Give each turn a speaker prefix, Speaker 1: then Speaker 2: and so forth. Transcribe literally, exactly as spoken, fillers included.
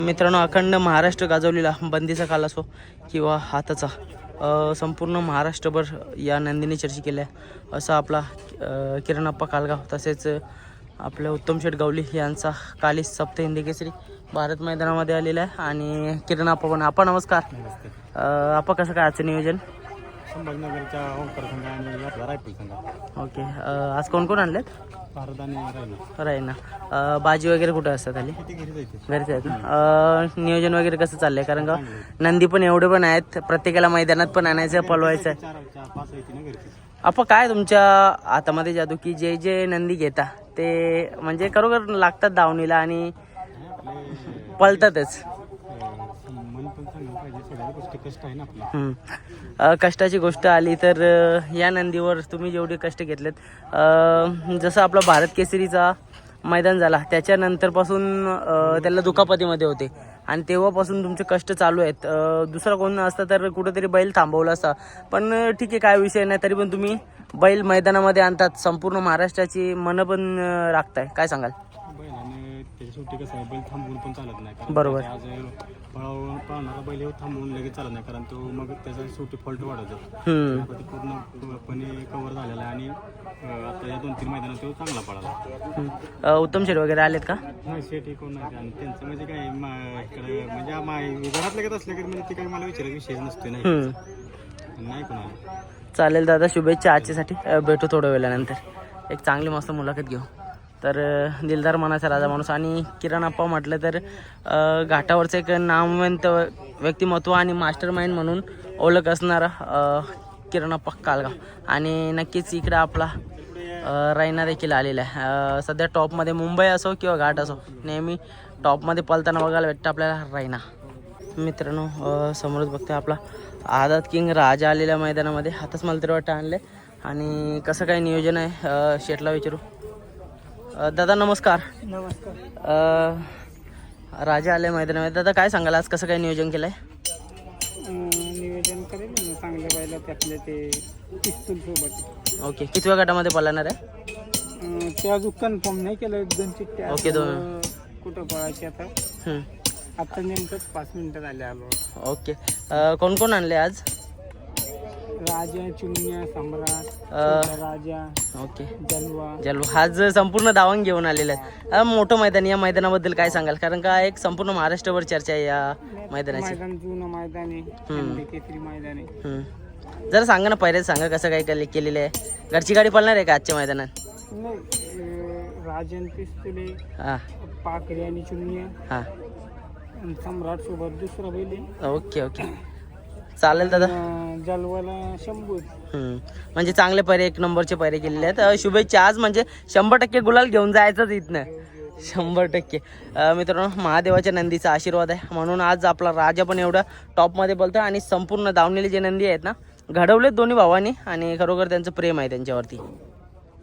Speaker 1: मित्रांनो, अखंड महाराष्ट्र गाजवलेला बंदीचा काल असो किंवा हाताचा अ, संपूर्ण महाराष्ट्रभर या नंदीने चर्चा केल्या असा आपला अ, किरणप्पा कालगाव तसेच आपल्या उत्तम शेठ गावली यांचा काली सप्त हिंदी केसरी भारत मैदानामध्ये आलेला आहे. आणि किरणप्पा पण आपण नमस्कार. अ, आपण कसं काय आजचं नियोजन?
Speaker 2: संभाजीनगरच्या ओंकार संघ आणि आपला रायपूर संघ.
Speaker 1: ओके. अ, आज कोण कोण आणलेत?
Speaker 2: भारत आणि रायना
Speaker 1: राहीना. अ, बाजी वगैरे कुठं असतात आली?
Speaker 2: किती घरी जायचे
Speaker 1: घरीच आहेत ना. अ, नियोजन वगैरे कसं चाललंय? कारण का नंदी पण एवढे पण आहेत, प्रत्येकाला मैदानात पण आणायचं पळवायचं आहे.
Speaker 2: चार चार पाच येते ना घरची.
Speaker 1: आपण काय तुमच्या हातामध्ये जादू की जे जे नंदी घेता ते म्हणजे खरोखर लागतात दावणीला आणि
Speaker 2: आपले
Speaker 1: पळतातच.
Speaker 2: मन पण चांगलं पाहिजे. सगळ्या गोष्टी कष्ट आहे ना आपल्या.
Speaker 1: हम्म. अ, कष्टाची गोष्ट आली तर अ, या नंदीवर तुम्ही जेवढे कष्ट घेतलेत, अ, जसं आपला भारत केसरीचा मैदान झाला त्याच्यानंतरपासून अ, त्याला दुखापतीमध्ये होते आणि तेव्हापासून तुमचे कष्ट चालू आहेत. अ, दुसरा कोण असता तर कुठेतरी बैल थांबवला असता, पण अ, ठीक आहे, काय विषय नाही. तरी पण तुम्ही बैल मैदानामध्ये आणतात, संपूर्ण महाराष्ट्राची मनं पण अ, राखताय. काय सांगाल?
Speaker 2: बैलाने त्याच्या शेवटी कसं आहे, बैल थांबवून पण चालत नाही. कारण
Speaker 1: बरोबर.
Speaker 2: आज पळावून पळणारा बैल हे थांबवून लगेच चालत नाही, कारण तो मग त्याचा शेवटी फॉल्ट वाढत जातो.
Speaker 1: हम्म.
Speaker 2: आता ते पूर्णपणे कव्हर झालेला आहे आणि अं, आता या दोन तीन मैदानात तो चांगला पळाला.
Speaker 1: हम्म. अ, उत्तम शेठ वगैरे आलेत का?
Speaker 2: नाही, शेट हे कोण नाही. आणि त्यांचं म्हणजे काय मा- इकडे म्हणजे मा- घरात लगेच असलं की म्हणजे ते काही मला विचारायचा विषयच नसतो. नाही
Speaker 1: हम्म.
Speaker 2: नाही कोणाला.
Speaker 1: चालेल दादा, शुभेच्छा आजच्यासाठी. अ, भेटू थोड्या वेळानंतर. एक चांगली मस्त मुलाखत घेऊ. तर अ, दिलदार मनाचा राजा माणूस आणि किरणप्पा म्हटलं तर अ, घाटावरचं एक नामवंत व्यक्तिमत्व आणि मास्टर माइंड म्हणून ओळख असणारा अ, किरणप्पा कालगाव. आणि नक्कीच इकडं आपला अ, रायना देखील आलेला आहे. अ, सध्या टॉपमध्ये मुंबई असो किंवा घाट असो, नेहमी टॉपमध्ये पळताना बघायला भेटतं आपल्याला रायना. मित्रांनो, अ, समोरच बघते आपला आझाद किंग राजा आलेल्या मैदानामध्ये. हातच मला तरी वाटतं आणले. आणि कसं काय नियोजन आहे अ, शेठला विचारू. अ, दादा नमस्कार.
Speaker 2: नमस्कार.
Speaker 1: अ, राजा आले मैदानामध्ये. दादा काय सांगाल, आज कसं काय नियोजन केलं आहे?
Speaker 2: नियोजन करेल ना चांगल्या बायला त्यातले ते पिस्तूल सोबत.
Speaker 1: ओके. कितव्या गटामध्ये पळणार आहे?
Speaker 2: ते अजून कन्फर्म नाही केलं. दोन चिठ्ठ्या
Speaker 1: ओके, दोन.
Speaker 2: कुठं पळायची आता.
Speaker 1: हम्म.
Speaker 2: आता नेमकंच पाच मिनिटं झाले आलो.
Speaker 1: ओके. अ, कोण कोण आणले आज?
Speaker 2: राजा, चुन्या, सम्राट,
Speaker 1: अ,
Speaker 2: छोटा राजा,
Speaker 1: ओके.
Speaker 2: जलवा.
Speaker 1: जलू आज संपूर्ण दावण घेऊन आलेले आहेत. अ, मोठं मैदान, या मैदानाबद्दल काय सांगाल? कारण का एक संपूर्ण महाराष्ट्रभर चर्चा आहे या मैदानाची.
Speaker 2: मैदान जुनं मैदान आहे. हिंदी केसरी मैदान आहे.
Speaker 1: हम्म. जरा सांगा ना, पहिलेच सांगा कसं काय केले केलेलं आहे. घरची गाडी पळणार आहे का आजच्या मैदानात?
Speaker 2: नाही, अं, राजन पिस्तुले,
Speaker 1: हां
Speaker 2: पाकरी आणि चुन्या
Speaker 1: हां.
Speaker 2: आणि सम्राट सोबत दुसरा बैल आहे.
Speaker 1: ओके ओके, चालेल दादा.
Speaker 2: अं, जलवाला शंभू.
Speaker 1: हम्म. म्हणजे चांगले पैरे, एक नंबरचे पैरे केलेले आहेत. अ, शुभेच्छा. आज म्हणजे शंभर टक्के गुलाल घेऊन जायचंच इथनं, शंभर टक्के. अ, मित्रांनो, महादेवाच्या नंदीचा आशीर्वाद आहे म्हणून आज आपला राजा पण एवढा टॉपमध्ये बोलतो. आणि संपूर्ण दावणीले जे नंदी आहेत ना, घडवलेत दोन्ही भावांनी आणि खरोखर त्यांचं प्रेम आहे त्यांच्यावरती.